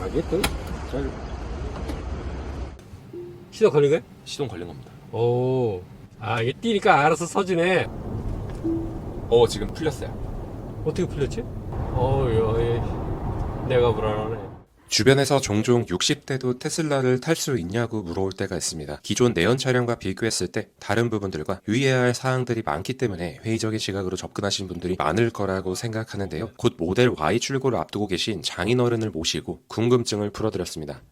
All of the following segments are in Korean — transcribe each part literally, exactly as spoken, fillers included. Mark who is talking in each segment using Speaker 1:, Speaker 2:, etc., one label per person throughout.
Speaker 1: 이게 또 잘
Speaker 2: 시동 걸린 거야?
Speaker 1: 시동 걸린 겁니다.
Speaker 2: 오, 아 이게 뛰니까 알아서 서지네.
Speaker 1: 어 지금 풀렸어요.
Speaker 2: 어떻게 풀렸지? 어우, 내가 불안하네.
Speaker 3: 주변에서 종종 육십 대도 테슬라를 탈 수 있냐고 물어올 때가 있습니다. 기존 내연 차량과 비교했을 때 다른 부분들과 유의해야 할 사항들이 많기 때문에 회의적인 시각으로 접근하신 분들이 많을 거라고 생각하는데요. 곧 모델 Y 출고를 앞두고 계신 장인어른을 모시고 궁금증을 풀어드렸습니다.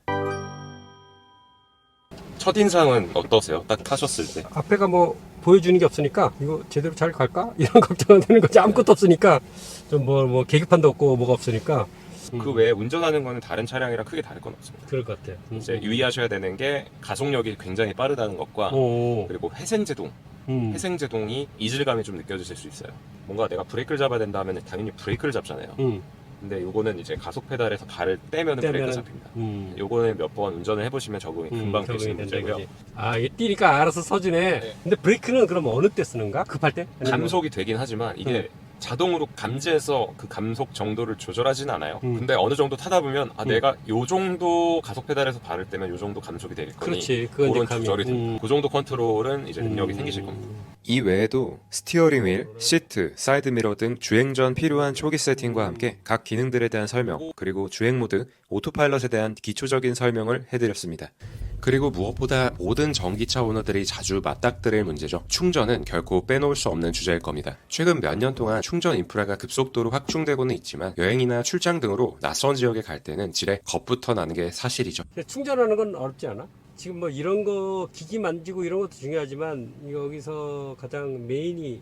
Speaker 1: 첫인상은 어떠세요? 딱 타셨을 때.
Speaker 2: 앞에가 뭐 보여주는 게 없으니까 이거 제대로 잘 갈까? 이런 걱정은 되는 거지. 아무것도 없으니까 좀 뭐 뭐 계기판도 없고 뭐가 없으니까.
Speaker 1: 그 외에 운전하는 거는 다른 차량이랑 크게 다를 건 없습니다.
Speaker 2: 그럴 것 같아. 음.
Speaker 1: 이제 유의하셔야 되는 게 가속력이 굉장히 빠르다는 것과
Speaker 2: 오,
Speaker 1: 그리고 회생제동,
Speaker 2: 음.
Speaker 1: 회생제동이 이질감이 좀 느껴지실 수 있어요. 뭔가 내가 브레이크를 잡아야 된다 하면 당연히 브레이크를 잡잖아요.
Speaker 2: 음.
Speaker 1: 근데 요거는 이제 가속 페달에서 발을 떼면 브레이크가
Speaker 2: 떼면은-
Speaker 1: 잡힙니다.
Speaker 2: 음.
Speaker 1: 요거는 몇 번 운전을 해보시면 적응이 금방
Speaker 2: 적응이
Speaker 1: 되시는
Speaker 2: 된다
Speaker 1: 문제고요.
Speaker 2: 이거지. 아 이게 뛰니까 알아서 서지네.
Speaker 1: 네.
Speaker 2: 근데 브레이크는 그럼 어느 때 쓰는가? 급할 때? 아니면
Speaker 1: 감속이 되긴 하지만 이게 자동으로 감지해서 그 감속 정도를 조절하진 않아요.
Speaker 2: 음.
Speaker 1: 근데 어느 정도 타다 보면 아
Speaker 2: 음.
Speaker 1: 내가 요 정도 가속 페달에서 발을 떼면 요 정도 감속이 될 거니
Speaker 2: 그렇지. 그건
Speaker 1: 그런
Speaker 2: 이제 감이-
Speaker 1: 조절이 됩니다.
Speaker 2: 음.
Speaker 1: 그 정도 컨트롤은 이제 능력이
Speaker 2: 음.
Speaker 1: 생기실 겁니다.
Speaker 3: 이 외에도 스티어링 휠, 시트, 사이드미러 등 주행 전 필요한 초기 세팅과 함께 각 기능들에 대한 설명, 그리고 주행 모드, 오토파일럿에 대한 기초적인 설명을 해드렸습니다. 그리고 무엇보다 모든 전기차 오너들이 자주 맞닥뜨릴 문제죠. 충전은 결코 빼놓을 수 없는 주제일 겁니다. 최근 몇 년 동안 충전 인프라가 급속도로 확충되고는 있지만 여행이나 출장 등으로 낯선 지역에 갈 때는 지레 겁부터 나는 게 사실이죠.
Speaker 2: 근데 충전하는 건 어렵지 않아? 지금 뭐 이런 거 기기 만지고 이런 것도 중요하지만 여기서 가장 메인이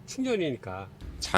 Speaker 2: 충전이니까.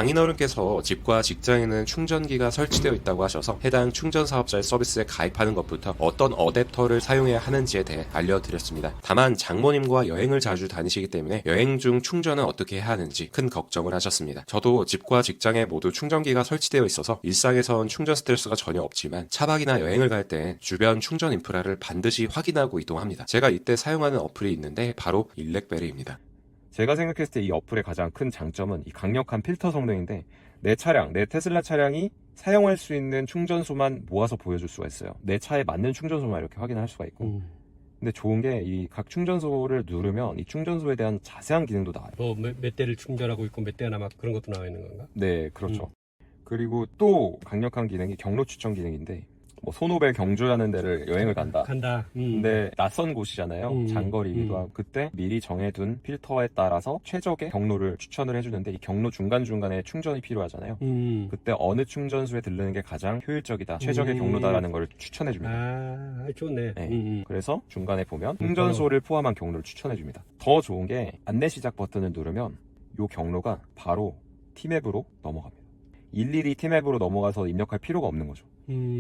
Speaker 3: 장인어른께서 집과 직장에는 충전기가 설치되어 있다고 하셔서 해당 충전 사업자의 서비스에 가입하는 것부터 어떤 어댑터를 사용해야 하는지에 대해 알려드렸습니다. 다만 장모님과 여행을 자주 다니시기 때문에 여행 중 충전은 어떻게 해야 하는지 큰 걱정을 하셨습니다. 저도 집과 직장에 모두 충전기가 설치되어 있어서 일상에선 충전 스트레스가 전혀 없지만 차박이나 여행을 갈 때 주변 충전 인프라를 반드시 확인하고 이동합니다. 제가 이때 사용하는 어플이 있는데 바로 일렉베리입니다.
Speaker 1: 제가 생각했을 때 이 어플의 가장 큰 장점은 이 강력한 필터 성능인데 내 차량, 내 테슬라 차량이 사용할 수 있는 충전소만 모아서 보여줄 수가 있어요. 내 차에 맞는 충전소만 이렇게 확인할 수가 있고.
Speaker 2: 음.
Speaker 1: 근데 좋은 게 이 각 충전소를 누르면 이 충전소에 대한 자세한 기능도 나와요.
Speaker 2: 뭐몇 몇 대를 충전하고 있고 몇 대나 막 그런 것도 나와 있는 건가?
Speaker 1: 네, 그렇죠. 그리고 또 강력한 기능이 경로 추천 기능인데 뭐 소노벨 경주라는 데를 여행을 간다.
Speaker 2: 간다. 음.
Speaker 1: 근데 낯선 곳이잖아요.
Speaker 2: 음,
Speaker 1: 장거리이기도
Speaker 2: 음.
Speaker 1: 하고 그때 미리 정해둔 필터에 따라서 최적의 경로를 추천을 해주는데 이 경로 중간중간에 충전이 필요하잖아요.
Speaker 2: 음.
Speaker 1: 그때 어느 충전소에 들르는 게 가장 효율적이다, 최적의
Speaker 2: 음.
Speaker 1: 경로다라는 걸 추천해줍니다.
Speaker 2: 아, 좋네.
Speaker 1: 네.
Speaker 2: 음, 음.
Speaker 1: 그래서 중간에 보면 충전소를 포함한 경로를 추천해줍니다. 더 좋은 게 안내 시작 버튼을 누르면 이 경로가 바로 티맵으로 넘어갑니다. 일일이 티맵으로 넘어가서 입력할 필요가 없는 거죠.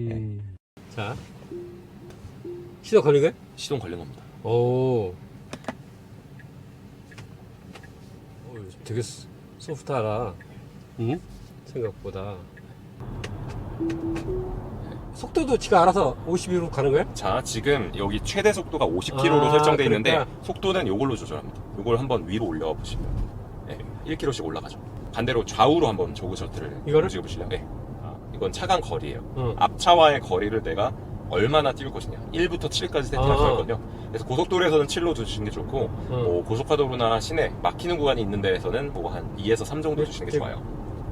Speaker 2: 음. 자, 시동 걸린 거야?
Speaker 1: 시동 걸린 겁니다.
Speaker 2: 오. 오, 되게 소- 소프트하다. 응? 생각보다. 속도도 지가 알아서 오십으로 가는 거야?
Speaker 1: 자, 지금 여기 최대 속도가 오십 킬로미터로
Speaker 2: 아,
Speaker 1: 설정되어 있는데
Speaker 2: 그러니까.
Speaker 1: 속도는 이걸로 조절합니다. 이걸 한번 위로 올려 보시면 네, 일 킬로미터씩 올라가죠. 반대로 좌우로 한번 조그 셔틀을
Speaker 2: 이거를?
Speaker 1: 움직여 보실래요? 네. 아, 이건 차간 거리예요.
Speaker 2: 응.
Speaker 1: 앞차와의 거리를 내가 얼마나 띄울 것이냐. 일부터 칠까지 세팅할
Speaker 2: 아.
Speaker 1: 수 있거든요. 그래서 고속도로에서는 칠로 두시는 게 좋고
Speaker 2: 응.
Speaker 1: 뭐 고속화도로나 시내 막히는 구간이 있는 데에서는 뭐 한 이에서 삼 정도 주시는 게
Speaker 2: 네,
Speaker 1: 좋아요.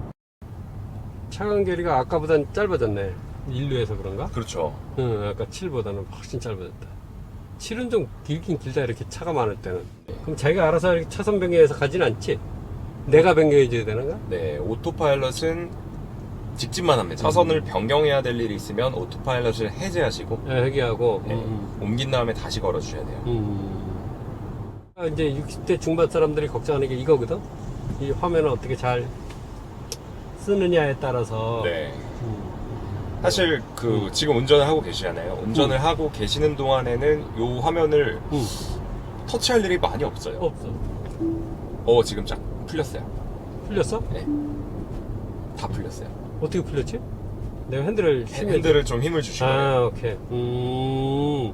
Speaker 2: 차간 거리가 아까보단 짧아졌네. 인류에서 그런가?
Speaker 1: 그렇죠.
Speaker 2: 응, 아까 칠보다는 훨씬 짧아졌다. 칠은 좀 길긴 길다, 이렇게 차가 많을 때는. 그럼 자기가 알아서 이렇게 차선 변경해서 가진 않지? 내가 변경해줘야 되는가?
Speaker 1: 네, 오토파일럿은 직진만 합니다. 차선을 변경해야 될 일이 있으면 오토파일럿을 해제하시고
Speaker 2: 네, 회귀하고.
Speaker 1: 네,
Speaker 2: 음,
Speaker 1: 옮긴 다음에 다시 걸어주셔야 돼요.
Speaker 2: 음. 아, 이제 육십 대 중반 사람들이 걱정하는 게 이거거든? 이 화면을 어떻게 잘 쓰느냐에 따라서.
Speaker 1: 네.
Speaker 2: 음.
Speaker 1: 사실 그 지금 운전을 하고 계시잖아요. 운전을 하고 계시는 동안에는 이 화면을
Speaker 2: 음.
Speaker 1: 터치할 일이 많이 없어요.
Speaker 2: 없어.
Speaker 1: 어, 지금 쫙 풀렸어요.
Speaker 2: 풀렸어?
Speaker 1: 네. 다 풀렸어요.
Speaker 2: 어떻게 풀렸지? 내가 핸들을 힘을
Speaker 1: 핸들을 좀 힘을 주시고
Speaker 2: 아, 오케이. 음.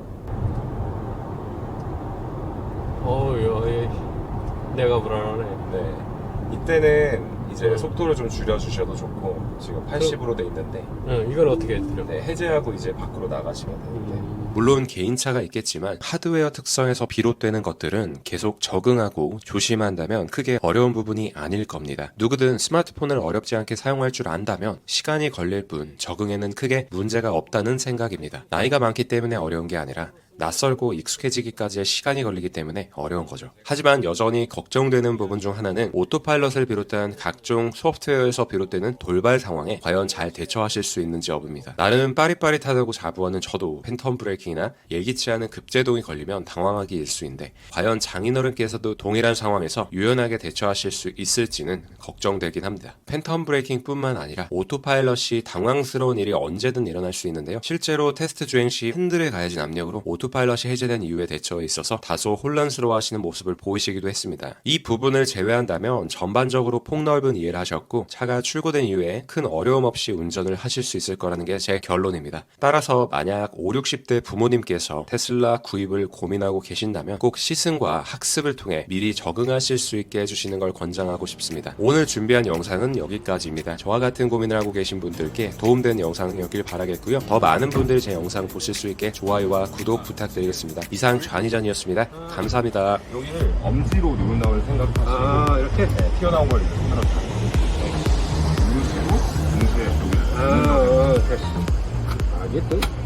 Speaker 2: 어우, 야, 내가 불안하네.
Speaker 1: 네. 이때는 이제
Speaker 2: 음.
Speaker 1: 속도를 좀 줄여주셔도 좋고 지금 팔십으로 돼 있는데
Speaker 2: 어, 이건 어떻게 해드려?
Speaker 1: 네, 해제하고 이제 밖으로 나가시면 되는데
Speaker 2: 음.
Speaker 3: 물론 개인차가 있겠지만 하드웨어 특성에서 비롯되는 것들은 계속 적응하고 조심한다면 크게 어려운 부분이 아닐 겁니다. 누구든 스마트폰을 어렵지 않게 사용할 줄 안다면 시간이 걸릴 뿐 적응에는 크게 문제가 없다는 생각입니다. 나이가 많기 때문에 어려운 게 아니라 낯설고 익숙해지기까지의 시간이 걸리기 때문에 어려운 거죠. 하지만 여전히 걱정되는 부분 중 하나는 오토파일럿을 비롯한 각종 소프트웨어에서 비롯되는 돌발 상황에 과연 잘 대처하실 수 있는지 여부입니다. 나름 빠릿빠릿하다고 자부하는 저도 팬텀 브레이킹이나 예기치 않은 급제동이 걸리면 당황하기 일쑤인데 과연 장인어른께서도 동일한 상황에서 유연하게 대처하실 수 있을지는 걱정되긴 합니다. 팬텀 브레이킹 뿐만 아니라 오토파일럿이 당황스러운 일이 언제든 일어날 수 있는데요. 실제로 테스트 주행 시 핸들에 가해진 압력으로 오토 파일럿이 해제된 이후의 대처에 있어서 다소 혼란스러워하시는 모습을 보이시기도 했습니다. 이 부분을 제외한다면 전반적으로 폭넓은 이해를 하셨고 차가 출고된 이후에 큰 어려움 없이 운전을 하실 수 있을 거라는 게 제 결론입니다. 따라서 만약 오십, 육십 대 부모님께서 테슬라 구입을 고민하고 계신다면 꼭 시승과 학습을 통해 미리 적응하실 수 있게 해주시는 걸 권장하고 싶습니다. 오늘 준비한 영상은 여기까지입니다. 저와 같은 고민을 하고 계신 분들께 도움된 영상이었길 바라겠고요. 더 많은 분들이 제 영상 보실 수 있게 좋아요와 구독 부탁드리겠습니다. 이상 좌니전이었습니다. 감사합니다.
Speaker 1: 여기를 엄지로 누른다고 생각하시고
Speaker 2: 아, 이렇게?
Speaker 1: 네, 튀어나온 걸 이렇게 손으로 잡고 누르시고 동시에 여기를
Speaker 2: 아, 어, 됐어. 아, 이게 또